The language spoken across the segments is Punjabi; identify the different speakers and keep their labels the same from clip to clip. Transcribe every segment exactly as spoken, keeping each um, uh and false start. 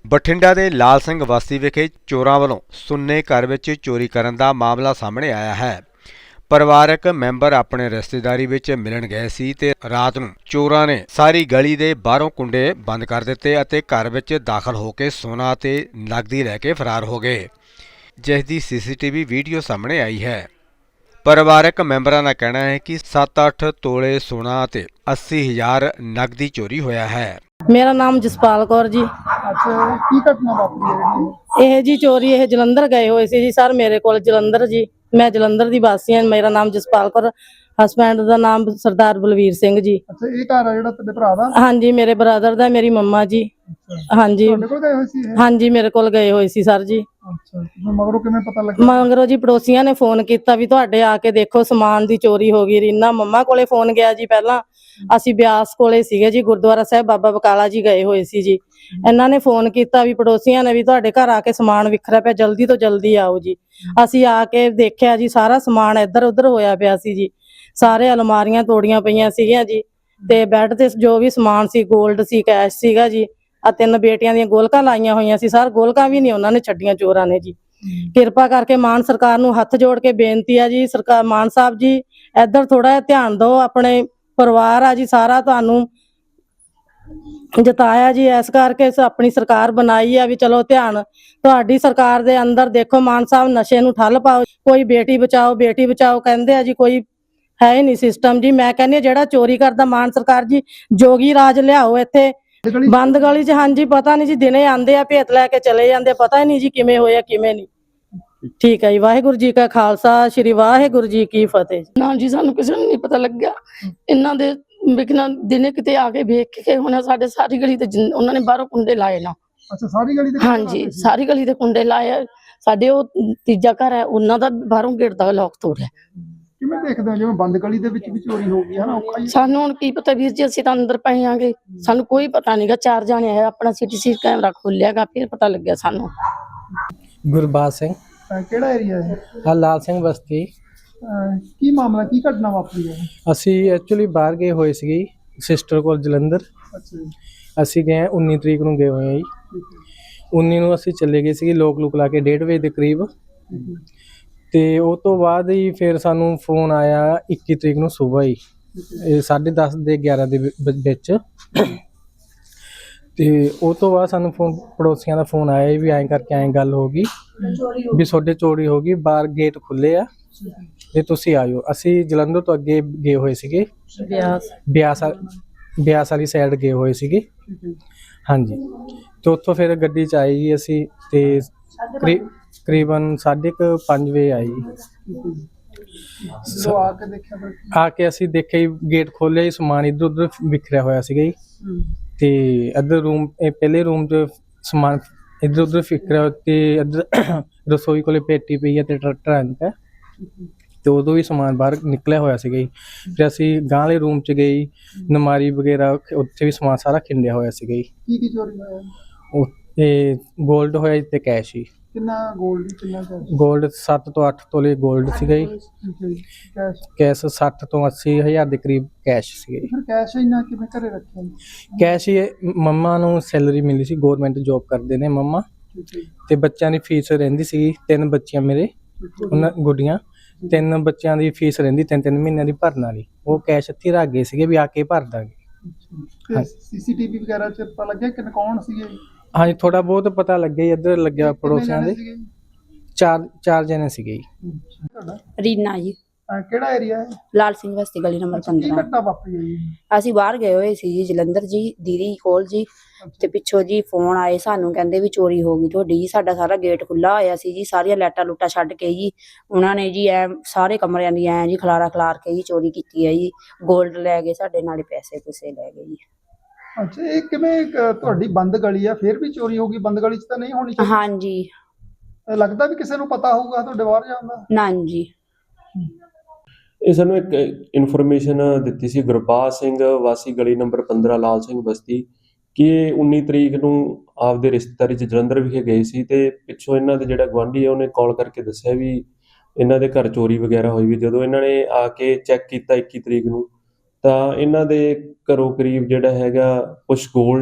Speaker 1: ਬਠਿੰਡਾ ਦੇ ਲਾਲ ਸਿੰਘ ਬਸਤੀ ਵਿਖੇ ਚੋਰਾਂ ਵੱਲੋਂ ਸੁੰਨੇ ਘਰ ਵਿੱਚ ਚੋਰੀ ਕਰਨ ਦਾ ਮਾਮਲਾ ਸਾਹਮਣੇ ਆਇਆ ਹੈ। ਪਰਿਵਾਰਕ ਮੈਂਬਰ ਆਪਣੇ ਰਿਸ਼ਤੇਦਾਰੀ ਵਿੱਚ ਮਿਲਣ ਗਏ ਸੀ ਤੇ ਰਾਤ ਨੂੰ ਚੋਰਾਂ ਨੇ ਸਾਰੀ ਗਲੀ ਦੇ ਬਾਹਰੋਂ ਕੁੰਡੇ ਬੰਦ ਕਰ ਦਿੱਤੇ ਅਤੇ ਘਰ ਵਿੱਚ ਦਾਖਲ ਹੋ ਕੇ ਸੋਨਾ ਅਤੇ ਨਕਦੀ ਲੈ ਕੇ ਫਰਾਰ ਹੋ ਗਏ, ਜਿਸ ਦੀ ਸੀਸੀਟੀਵੀ ਵੀਡੀਓ ਸਾਹਮਣੇ ਆਈ ਹੈ। ਪਰਿਵਾਰਕ ਮੈਂਬਰਾਂ ਦਾ ਕਹਿਣਾ ਹੈ ਕਿ ਸੱਤ ਅੱਠ ਤੋਲੇ ਸੋਨਾ ਅਤੇ अस्सी हज़ार नकदी चोरी होया है।
Speaker 2: मेरा नाम जसपाल कौर जी।
Speaker 3: अच्छा, की घटना वापरी है?
Speaker 2: यह जी चोरी यह जलंधर गए हुए सी जी सर, मेरे को जलंधर जी, मैं जलंधर दी वासी हां। मेरा नाम जसपाल कौर, हसबैंड दा नाम सरदार बलवीर सिंह जी।
Speaker 3: अच्छा, ये घर है जेड़ा तेरे भरा दा?
Speaker 2: हां जी, मेरे ब्रदर दा, मेरी मम्मा जी। हां जी,
Speaker 3: ਤੁਹਾਡੇ ਕੋਲ ਗਏ ਹੋਏ ਸੀ ਇਹ?
Speaker 2: हां जी, मेरे कोल गए हुए सी सर जी।
Speaker 3: ਅੱਛਾ, ਹੁਣ ਮਗਰੋਂ ਕਿਵੇਂ ਪਤਾ ਲੱਗਾ?
Speaker 2: ਮਗਰੋਂ ਜੀ ਪੜੋਸੀਆਂ ਨੇ ਫੋਨ ਕੀਤਾ ਵੀ ਤੁਹਾਡੇ ਆ ਕੇ ਦੇਖੋ ਸਮਾਨ ਦੀ ਚੋਰੀ ਹੋ ਗਈ। ਰੀਨਾ ਮੰਮਾ ਕੋਲੇ ਫੋਨ ਗਿਆ ਜੀ। ਪਹਿਲਾਂ ਅਸੀਂ ਬਿਆਸ ਕੋਲੇ ਸੀਗੇ ਜੀ, ਗੁਰਦੁਆਰਾ ਸਾਹਿਬ ਬਾਬਾ ਬਕਾਲਾ ਜੀ ਗਏ ਹੋਏ ਸੀ ਜੀ। ਇਹਨਾਂ ਨੇ ਫੋਨ ਕੀਤਾ ਵੀ ਪੜੋਸੀਆਂ ਨੇ ਵੀ ਤੁਹਾਡੇ ਘਰ ਆ ਕੇ ਸਮਾਨ ਵਿਖਰਿਆ ਪਿਆ, ਜਲਦੀ ਤੋਂ ਜਲਦੀ ਆਓ ਜੀ। ਅਸੀਂ ਆ ਕੇ ਦੇਖਿਆ ਜੀ, ਸਾਰਾ ਸਮਾਨ ਇੱਧਰ ਉੱਧਰ ਹੋਇਆ ਪਿਆ ਸੀ ਜੀ। ਸਾਰੇ ਅਲਮਾਰੀਆਂ ਤੋੜੀਆਂ ਪਈਆਂ ਸੀਗੀਆਂ ਜੀ, ਤੇ ਬੈੱਡ ਤੇ ਜੋ ਵੀ ਸਮਾਨ ਸੀ, ਗੋਲਡ ਸੀ, ਕੈਸ਼ ਸੀਗਾ ਜੀ। ਆ ਤਿੰਨ ਬੇਟੀਆਂ ਦੀਆਂ ਗੋਲਕਾਂ ਲਾਈਆਂ ਹੋਈਆਂ ਸੀ ਸਰ, ਗੋਲਕਾਂ ਵੀ ਨਹੀਂ ਉਹਨਾਂ ਨੇ ਛੱਡੀਆਂ ਚੋਰਾਂ ਨੇ ਜੀ। ਕਿਰਪਾ ਕਰਕੇ ਮਾਨ ਸਰਕਾਰ ਨੂੰ ਹੱਥ ਜੋੜ ਕੇ ਬੇਨਤੀ ਆ ਜੀ, ਸਰਕਾਰ ਮਾਨ ਸਾਹਿਬ ਜੀ ਇੱਧਰ ਥੋੜਾ ਜਿਹਾ ਧਿਆਨ ਦਿਓ। ਆਪਣੇ ਪਰਿਵਾਰ ਆ ਜੀ ਸਾਰਾ ਤੁਹਾਨੂੰ ਜਤਾਇਆ ਜੀ, ਇਸ ਕਰਕੇ ਆਪਣੀ ਸਰਕਾਰ ਬਣਾਈ ਆ ਵੀ ਚਲੋ ਧਿਆਨ ਤੁਹਾਡੀ ਸਰਕਾਰ ਦੇ ਅੰਦਰ ਦੇਖੋ। ਮਾਨ ਸਾਹਿਬ ਨਸ਼ੇ ਨੂੰ ਠੱਲ ਪਾਓ, ਕੋਈ ਬੇਟੀ ਬਚਾਓ ਬੇਟੀ ਬਚਾਓ ਕਹਿੰਦੇ ਆ ਜੀ, ਕੋਈ ਹੈ ਹੀ ਨਹੀਂ ਸਿਸਟਮ ਜੀ। ਮੈਂ ਕਹਿੰਦੀ ਜਿਹੜਾ ਚੋਰੀ ਕਰਦਾ ਮਾਨ ਸਰਕਾਰ ਜੀ ਜੋਗੀ ਰਾਜ ਲਿਆਓ ਇੱਥੇ ਬੰਦ ਗਲੀ ਚ। ਹਾਂਜੀ, ਪਤਾ ਨਹੀਂ ਜੀ, ਦਿਨੇ ਆਂਦੇ ਆ ਭੇਤ ਲੈ ਕੇ ਚਲੇ ਜਾਂਦੇ, ਪਤਾ ਹੀ ਨਹੀਂ ਜੀ ਕਿਵੇਂ ਹੋਇਆ ਕਿਵੇਂ ਨਹੀਂ। ਠੀਕ ਹੈ ਜੀ, ਵਾਹਿਗੁਰੂ ਜੀ ਕਾ ਖਾਲਸਾ, ਸ਼੍ਰੀ ਵਾਹਿਗੁਰੂ ਜੀ ਕੀ ਫਤਿਹ।
Speaker 4: ਨਾ ਜੀ, ਸਾਨੂੰ ਕਿਸੇ ਨੂੰ ਨਹੀਂ ਪਤਾ ਲੱਗਿਆ। ਇਹਨਾਂ ਦੇ ਵਿਕਣਾ ਦਿਨੇ ਕਿਤੇ ਆ ਕੇ ਵੇਖ ਕੇ ਹੁਣ ਸਾਡੇ ਸਾਰੀ ਗਲੀ ਤੇ ਉਹਨਾਂ ਨੇ ਬਾਹਰੋਂ ਕੁੰਡੇ ਲਾਏ ਨਾ।
Speaker 3: ਅੱਛਾ, ਸਾਰੀ ਗਲੀ ਦੇ?
Speaker 4: ਹਾਂਜੀ, ਸਾਰੀ ਗਲੀ ਦੇ ਕੁੰਡੇ ਲਾਏ। ਸਾਡੇ ਉਹ ਤੀਜਾ ਘਰ ਹੈ, ਉਹਨਾਂ ਦਾ ਬਾਹਰੋਂ ਗੇਟ ਦਾ ਲੋਕ ਤੋੜਿਆ।
Speaker 3: ਕਿਵੇਂ ਦੇਖਦੇ ਹੋ ਜਿਵੇਂ ਬੰਦ ਗਲੀ ਦੇ ਵਿੱਚ ਵੀ ਚੋਰੀ ਹੋ ਗਈ ਹੈ ਨਾ? ਔਖਾ ਹੀ।
Speaker 4: ਸਾਨੂੰ ਹੁਣ ਕੀ ਪਤਾ ਵੀਰ ਜੀ, ਅਸੀਂ ਤਾਂ ਅੰਦਰ ਪਏ ਆਂਗੇ, ਸਾਨੂੰ ਕੋਈ ਪਤਾ ਨਹੀਂਗਾ। ਚਾਰ ਜਾਣੇ ਆਏ, ਆਪਣਾ ਸੀਸੀਟੀਵੀ ਕੈਮਰਾ ਖੋਲਿਆਗਾ, ਫਿਰ ਪਤਾ ਲੱਗਿਆ ਸਾਨੂੰ।
Speaker 5: ਗੁਰਬਾਜ ਸਿੰਘ।
Speaker 3: ਅਹ ਕਿਹੜਾ ਏਰੀਆ ਹੈ?
Speaker 5: ਆ ਲਾਲ ਸਿੰਘ ਬਸਤੀ।
Speaker 3: ਅਹ ਕੀ ਮਾਮਲਾ, ਕੀ ਘਟਨਾ ਵਾਪਰੀ ਹੈ?
Speaker 5: ਅਸੀਂ ਐਕਚੁਅਲੀ ਬਾਹਰ ਗਏ ਹੋਏ ਸੀਗੇ ਸਿਸਟਰ ਕੋਲ ਜਲੰਧਰ।
Speaker 3: ਅੱਛਾ ਜੀ।
Speaker 5: ਅਸੀਂ ਗਏ ਉੱਨੀ ਤਰੀਕ ਨੂੰ ਗਏ ਹੋਏ ਹਾਂ ਜੀ। ਉੱਨੀ ਨੂੰ ਅਸੀਂ ਚੱਲੇ ਗਏ ਸੀਗੇ ਲੋਕ ਲੁਕ ਲਾ ਕੇ ਡੇਢ ਵਜੇ ਦੇ ਕਰੀਬ। ਤੇ ਉਹ ਤੋਂ ਬਾਅਦ ਹੀ ਫਿਰ ਸਾਨੂੰ ਫੋਨ ਆਇਆ ਇੱਕੀ ਤਰੀਕ ਨੂੰ ਸੁਬਾਹ ਹੀ, ਇਹ ਸਾਢੇ ਦਸ ਦੇ ਗਿਆਰਾਂ ਦੇ ਵਿੱਚ। ਤੇ ਉਹ ਤੋਂ ਬਾਅਦ ਸਾਨੂੰ ਫੋਨ ਪੜੋਸੀਆਂ ਦਾ ਫੋਨ ਆਇਆ ਵੀ ਐਂ ਕਰਕੇ ਐਂ ਗੱਲ ਹੋ ਗਈ ਵੀ ਤੁਹਾਡੇ ਚੋਰੀ ਹੋ ਗਈ, ਬਾਹਰ ਗੇਟ ਖੁੱਲੇ ਆ ਤੇ ਤੁਸੀਂ ਆਇਓ। ਅਸੀਂ ਜਲੰਧਰ ਤੋਂ ਅੱਗੇ ਗਏ ਹੋਏ ਸੀਗੇ, ਬਿਆਸ ਬਿਆਸ ਬਿਆਸ ਵਾਲੀ ਸਾਈਡ ਗਏ ਹੋਏ ਸੀਗੇ। ਹਾਂਜੀ, ਤੇ ਉੱਥੋਂ ਫਿਰ ਗੱਡੀ 'ਚ ਆਏ ਜੀ ਅਸੀਂ, ਤੇ ਤਕਰੀਬਨ ਸਾਢੇ ਕੁ ਪੰਜ ਵਜੇ ਆਈ।
Speaker 3: ਜਦੋਂ ਆ ਕੇ ਦੇਖਿਆ ਫਿਰ?
Speaker 5: ਆ ਕੇ ਅਸੀਂ ਦੇਖਿਆ ਜੀ ਗੇਟ ਖੋਲ੍ਹਿਆ ਜੀ, ਸਮਾਨ ਇੱਧਰ ਉੱਧਰ ਵਿਖਰਿਆ ਹੋਇਆ ਸੀਗਾ ਜੀ। ਤੇ ਇੱਧਰ ਰੂਮ, ਇਹ ਪਹਿਲੇ ਰੂਮ 'ਚ ਸਮਾਨ ਇੱਧਰ ਉੱਧਰ ਵਿਖਰਿਆ, ਤੇ ਇੱਧਰ ਰਸੋਈ ਕੋਲੇ ਪੇਟੀ ਪਈ ਹੈ ਤੇ ਟਰੰਕ ਹੈ, ਤੇ ਉਦੋਂ ਵੀ ਸਮਾਨ ਬਾਹਰ ਨਿਕਲਿਆ ਹੋਇਆ ਸੀਗਾ ਜੀ। ਫਿਰ ਅਸੀਂ ਗਾਂਹ ਵਾਲੇ ਰੂਮ 'ਚ ਗਏ, ਨਮਾਰੀ ਵਗੈਰਾ ਉੱਥੇ ਵੀ ਸਮਾਨ ਸਾਰਾ ਖਿੰਡਿਆ ਹੋਇਆ ਸੀਗਾ ਜੀ।
Speaker 3: ਕੀ ਕੀ ਚੋਰੀ ਹੋਇਆ?
Speaker 5: ਉੱਥੇ ਗੋਲਡ ਹੋਇਆ ਜੀ ਤੇ ਕੈਸ਼ ਹੀ।
Speaker 3: ਕਿੰਨਾ ਗੋਲਡ, ਕਿੰਨਾ ਕੈਸ਼?
Speaker 5: ਗੋਲਡ ਸੱਤ ਤੋਂ ਅੱਠ ਤੋਲੇ ਗੋਲਡ ਸੀਗਾ ਜੀ।
Speaker 3: ਕੈਸ਼?
Speaker 5: ਕੈਸ਼ ਸੱਠ ਤੋਂ ਅੱਸੀ ਹਜ਼ਾਰ ਦੇ ਕਰੀਬ ਕੈਸ਼ ਸੀਗਾ ਜੀ।
Speaker 3: ਫਿਰ ਕੈਸ਼ ਇੰਨਾ ਕਿਵੇਂ ਘਰੇ ਰੱਖਿਆ?
Speaker 5: ਕੈਸ਼ ਹੀ ਮੰਮਾ ਨੂੰ ਸੈਲਰੀ ਮਿਲੀ ਸੀ, ਗੌਰਮੈਂਟ ਜੋਬ ਕਰਦੇ ਨੇ ਮੰਮਾ, ਤੇ ਬੱਚਿਆਂ ਦੀ ਫੀਸ ਰਹਿੰਦੀ ਸੀ। ਤਿੰਨ ਬੱਚੀਆਂ ਮੇਰੇ, ਉਹਨਾਂ ਗੁੱਡੀਆਂ, ਤਿੰਨ ਬੱਚਿਆਂ ਦੀ ਫੀਸ ਰਹਿੰਦੀ ਤਿੰਨ ਤਿੰਨ ਮਹੀਨਿਆਂ ਦੀ ਭਰਨ ਵਾਲੀ। ਉਹ ਕੈਸ਼ ਇੱਥੇ ਰੱਖ ਗਏ ਸੀਗੇ ਵੀ ਆ ਕੇ ਭਰ ਦਾਂਗੇ।
Speaker 3: ਸੀਸੀਟੀਵੀ ਵਗੈਰਾ ਚ ਪਤਾ ਲੱਗਿਆ ਕਿ ਕੌਣ ਸੀਗੇ?
Speaker 5: ਹਾਂਜੀ, ਥੋੜਾ ਬਹੁਤ ਪਤਾ ਲੱਗਿਆ, ਇੱਧਰ ਲੱਗਿਆ ਪੜੋਸੀਆਂ ਦੇ। ਚਾਰ ਚਾਰ ਜਣੇ ਸੀਗੇ ਜੀ।
Speaker 6: ਰੀਨਾ ਜੀ।
Speaker 3: ਅਹ ਕਿਹੜਾ ਏਰੀਆ ਹੈ?
Speaker 6: ਲਾਲ ਸਿੰਘ ਬਸਤੀ ਗਲੀ ਨੰਬਰ
Speaker 3: ਕੀ
Speaker 6: ਪੰਦਰਾਂ।
Speaker 3: ਘਟਨਾ ਵਾਪਰੀ ਹੈ ਜੀ?
Speaker 6: ਅਸੀਂ ਬਾਹਰ ਗਏ ਹੋਏ ਸੀ ਜੀ ਜਲੰਧਰ ਜੀ, ਦੀਦੀ ਕੋਲ ਜੀ, ਤੇ ਪਿੱਛੋਂ ਜੀ ਫੋਨ ਆਏ ਸਾਨੂੰ, ਕਹਿੰਦੇ ਵੀ ਚੋਰੀ ਹੋ ਗਈ ਤੁਹਾਡੀ ਜੀ। ਸਾਡਾ ਸਾਰਾ ਗੇਟ ਖੁੱਲਾ ਹੋਇਆ ਸੀ ਜੀ, ਸਾਰੀਆਂ ਲਾਈਟਾਂ ਲੂਟਾਂ ਛੱਡ ਕੇ ਜੀ ਉਹਨਾਂ ਨੇ ਜੀ ਐ ਸਾਰੇ ਕਮਰਿਆਂ ਦੀ ਐ ਜੀ ਖਲਾਰਾ ਖਲਾਰ ਕੇ ਜੀ ਚੋਰੀ ਕੀਤੀ ਹੈ ਜੀ। ਗੋਲਡ ਲੈ ਗਏ ਸਾਡੇ, ਨਾਲੇ ਪੈਸੇ ਪੂਸੇ ਲੈ ਗਏ ਜੀ।
Speaker 3: ਅੱਛਾ, ਇਹ ਕਿਵੇਂ ਤੁਹਾਡੀ ਬੰਦ ਗਲੀ ਆ ਫਿਰ ਵੀ ਚੋਰੀ ਹੋ ਗਈ? ਬੰਦ ਗਲੀ 'ਚ ਤਾਂ ਨਹੀਂ ਹੋਣੀ ਚਾਹੀਦੀ।
Speaker 6: ਹਾਂਜੀ,
Speaker 3: ਲੱਗਦਾ ਵੀ ਕਿਸੇ ਨੂੰ ਪਤਾ ਹੋਊਗਾ ਤੁਹਾਡੇ ਬਾਹਰ ਜਾਣ ਦਾ?
Speaker 6: ਨਾ ਜੀ।
Speaker 7: ਇਹ ਸਾਨੂੰ ਇੱਕ ਇਨਫੋਰਮੇਸ਼ਨ ਦਿੱਤੀ ਸੀ ਗੁਰਬਾਜ ਸਿੰਘ ਵਾਸੀ ਗਲੀ ਨੰਬਰ ਪੰਦਰਾਂ ਲਾਲ ਸਿੰਘ ਬਸਤੀ, ਕਿ ਇਹ ਉੱਨੀ ਤਰੀਕ ਨੂੰ ਆਪਦੇ ਰਿਸ਼ਤੇਦਾਰੀ 'ਚ ਜਲੰਧਰ ਵਿਖੇ ਗਏ ਸੀ, ਤੇ ਪਿੱਛੋਂ ਇਹਨਾਂ ਦੇ ਜਿਹੜਾ ਗੁਆਂਢੀ ਹੈ ਉਹਨੇ ਕਾਲ ਕਰਕੇ ਦੱਸਿਆ ਵੀ ਇਹਨਾਂ ਦੇ ਘਰ ਚੋਰੀ ਵਗੈਰਾ ਹੋਈ ਵੀ। ਜਦੋਂ ਇਹਨਾਂ ਨੇ ਆ ਕੇ ਚੈੱਕ ਕੀਤਾ ਇੱਕੀ ਤਰੀਕ ਨੂੰ, ਤਾਂ ਇਹਨਾਂ ਦੇ ਘਰੋਂ ਕਰੀਬ ਜਿਹੜਾ ਹੈਗਾ ਕੁਛ ਗੋਲਡ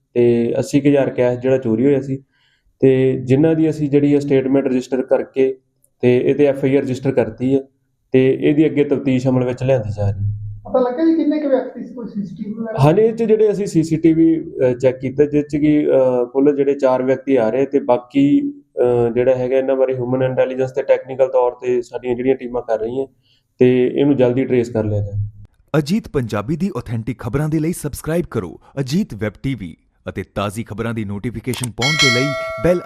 Speaker 7: ਤੇ ਅੱਸੀ ਕੁ ਹਜ਼ਾਰ ਕੈਸ਼ ਜਿਹੜਾ ਚੋਰੀ ਹੋਇਆ ਸੀ, ਤੇ ਜਿਨ੍ਹਾਂ ਦੀ ਅਸੀਂ ਜਿਹੜੀ ਹੈ ਸਟੇਟਮੈਂਟ ਰਜਿਸਟਰ ਕਰਕੇ ਤੇ ਇਹਦੇ ਐਫ ਆਈ ਆਰ ਰਜਿਸਟਰ ਕਰਤੀ ਹੈ, ਤੇ ਇਹਦੀ ਅੱਗੇ ਤਫਤੀਸ਼ ਅਮਲ ਵਿੱਚ ਲਿਆਂਦੀ ਜਾ ਰਹੀ ਹੈ।
Speaker 3: ਪਤਾ ਲੱਗਾ ਜੀ ਕਿੰਨੇ ਕੁ ਵਿਅਕਤੀ ਸੀ, ਕੋਈ ਸੀਸੀਟੀਵੀ ਵਗੈਰਾ?
Speaker 7: ਹਾਂਜੀ, ਇਹ 'ਚ ਜਿਹੜੇ ਅਸੀਂ ਸੀਸੀਟੀਵੀ ਚੈੱਕ ਕੀਤਾ, ਜਿਸ 'ਚ ਕਿ ਅਹ, ਕੁੱਲ ਜਿਹੜੇ ਚਾਰ ਵਿਅਕਤੀ ਆ ਰਹੇ, ਤੇ ਬਾਕੀ ਅਹ, ਜਿਹੜਾ ਹੈਗਾ ਇਹਨਾਂ ਬਾਰੇ ਹਿਊਮਨ ਇੰਟੈਲੀਜੈਂਸ ਤੇ ਟੈਕਨੀਕਲ ਤੌਰ ਤੇ ਸਾਡੀਆਂ ਜਿਹੜੀਆਂ ਟੀਮਾਂ ਕਰ ਰਹੀਆਂ, ਤੇ ਇਹਨੂੰ ਜਲਦੀ ਟਰੇਸ ਕਰ ਲਿਆ ਜਾਏ।
Speaker 8: ਅਜੀਤ ਪੰਜਾਬੀ ਦੀ ਆਥੈਂਟਿਕ ਖਬਰਾਂ ਦੇ ਲਈ ਸਬਸਕ੍ਰਾਈਬ ਕਰੋ ਅਜੀਤ ਵੈਬ ਟੀਵੀ ਅਤੇ ਤਾਜ਼ੀ ਖਬਰਾਂ ਦੀ ਨੋਟੀਫਿਕੇਸ਼ਨ ਪਾਉਣ ਦੇ ਲਈ ਬੈਲ